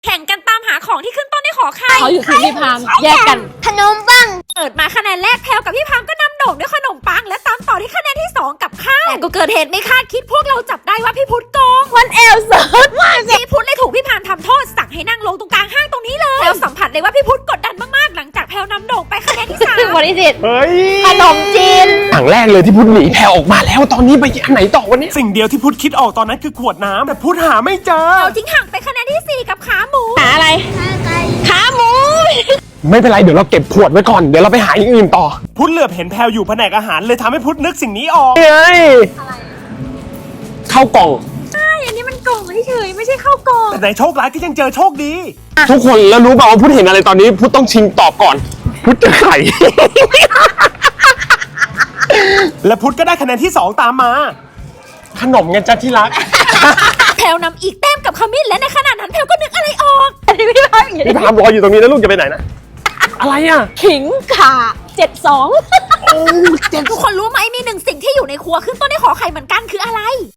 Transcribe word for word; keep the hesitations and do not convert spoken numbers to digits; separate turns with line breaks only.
แข่งกันตามหาของที่ขึ้นต้นด้วยขอไข่
เขาอยู่ทีมพี่พามแยกกัน
ขนมปัง
เปิดมาคะแนนแรกแพลวกับพี่พามก็นำโด่งด้วยขนมปังและตามต่อที่คะแนนที่สองกับข้าวแต่ก็เกิดเหตุไม่คาดคิดพวกเราจับได้ว่าพี่พุทธโกง
วันเอลเซิร์ฟว่า
พี่พุทธเลยถูกพี่พามทำโทษสั่งให้นั่งลงตรงกลางห้างตรงนี้เลยแพลวสัมผัสเลยว่าพี่พุทธกดดันมากๆหลังจากแพลวนำโด่งไปคะแนนที่สาม
วันที่สิบ
เฮ้ย
ขนมจีน
อย่างแรกเลยที่พุทธหนีแพรออกมาแล้วตอนนี้ไปอันไหนต่อวันนี้
สิ่งเดียวที่พุทธคิดออกตอนนั้นคือขวดน้ำแต่พุทธหาไม่เจอ
เราทิ้งห่างไปคะแนนที่สี่กับขาหมู
หาอะไร ขาหมู
ไม่เป็นไรเดี๋ยวเราเก็บขวดไว้ก่อนเดี๋ยวเราไปหาอย่างอื่นต่อ
พุทธเหลือบเห็นแพลวอยู่แผนกอาหารเลยทำให้พุทธนึกสิ่งนี้ออก
เฮ้ยเข้าวกล่อง
ใช่อันนี้มันกล่องเฉยๆไม่ใช่ข้าวกล่อง
แต่ในโชคร้ายก็ยังเจอโชคดี
ทุกคนแล้วรู้เปล่าว่าพุทธเห็นอะไรตอนนี้พุทธต้องชิงตอบก่อน พุทธจะไข่
และพุทธก็ได้คะแนนที่สองตามมา
ขนมไงจ๊ะที่รัก
แพลวนำอีกแต้มกับขมิ้นและในขณะนั้นแพลวก็นึกอะไรออก
อันนี้พี่พามอยู่
พี่พามรออยู่ตรงนี้นะลูกจะไปไหนนะ อะไรอ่ะ
ขิงข่าเจ็ดสอง
ทุกคนรู้ไหมมีหนึ่งสิ่งที่อยู่ในครัวขึ้นต้นด้วยขอไข่เหมือนกันคืออะไร